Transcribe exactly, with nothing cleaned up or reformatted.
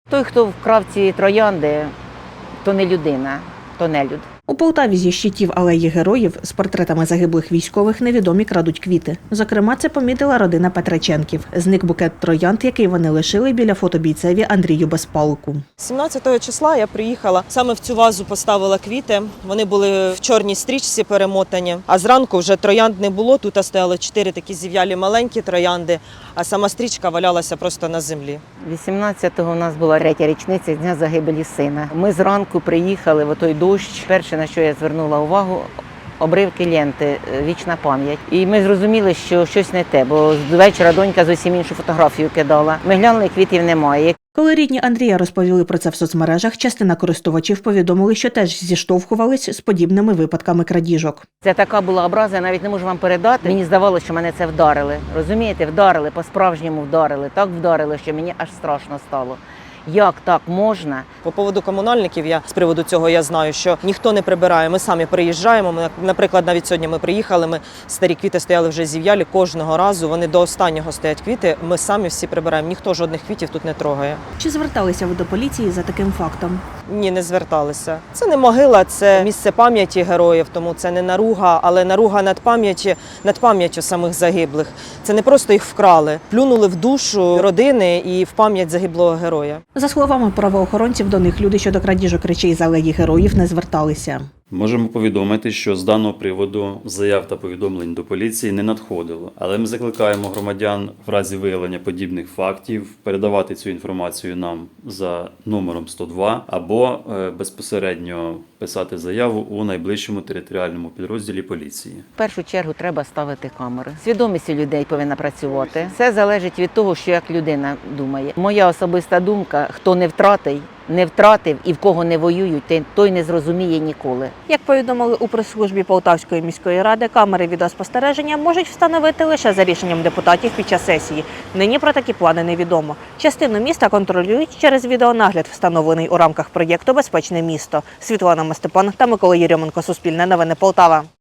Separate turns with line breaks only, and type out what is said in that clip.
Той, хто вкрав ці троянди, то не людина, то нелюд.
У Полтаві зі щитів алеї героїв з портретами загиблих військових невідомі крадуть квіти. Зокрема, це помітила родина Петраченків. Зник букет троянд, який вони лишили біля фото бійцеві Андрію Безпалку.
сімнадцятого числа я приїхала, саме в цю вазу поставила квіти. Вони були в чорній стрічці перемотані, а зранку вже троянд не було. Тут стояли чотири такі зів'ялі маленькі троянди, а сама стрічка валялася просто на землі.
вісімнадцятого у нас була третя річниця Дня загибелі сина. Ми зранку приїхали в той дощ. Перше, на що я звернула увагу, обривки ленти, вічна пам'ять. І ми зрозуміли, що щось не те, бо з вечора донька зовсім іншу фотографію кидала. Ми глянули, квітів немає.
Коли рідні Андрія розповіли про це в соцмережах, частина користувачів повідомили, що теж зіштовхувались з подібними випадками крадіжок.
Це така була образа, я навіть не можу вам передати. Мені здавалося, що мене це вдарили. Розумієте, вдарили, по-справжньому вдарили. Так вдарили, що мені аж страшно стало. Як так можна?
По поводу комунальників, я з приводу цього я знаю, що ніхто не прибирає. Ми самі приїжджаємо. Ми, наприклад, навіть сьогодні ми приїхали, ми старі квіти стояли вже зів'ялі. Кожного разу вони до останнього стоять квіти. Ми самі всі прибираємо. Ніхто жодних квітів тут не трогає.
Чи зверталися ви до поліції за таким фактом?
Ні, не зверталися. Це не могила, це місце пам'яті героїв, тому це не наруга, але наруга над пам'яттю, над пам'яттю самих загиблих. Це не просто їх вкрали, плюнули в душу родини і в пам'ять загиблого героя.
За словами правоохоронців, до них люди щодо крадіжок речей з алеї героїв не зверталися.
Можемо повідомити, що з даного приводу заяв та повідомлень до поліції не надходило. Але ми закликаємо громадян в разі виявлення подібних фактів передавати цю інформацію нам за номером сто два або безпосередньо писати заяву у найближчому територіальному підрозділі поліції.
В першу чергу треба ставити камери. Свідомість у людей повинна працювати. Все залежить від того, що як людина думає. Моя особиста думка, хто не втратив, не втратив і в кого не воюють, той не зрозуміє ніколи.
Як повідомили у прес-службі Полтавської міської ради, камери відеоспостереження можуть встановити лише за рішенням депутатів під час сесії. Нині про такі плани невідомо. Частину міста контролюють через відеонагляд, встановлений у рамках проєкту «Безпечне місто». Світлана Мастепан та Микола Єрьоменко. Суспільне новини Полтава.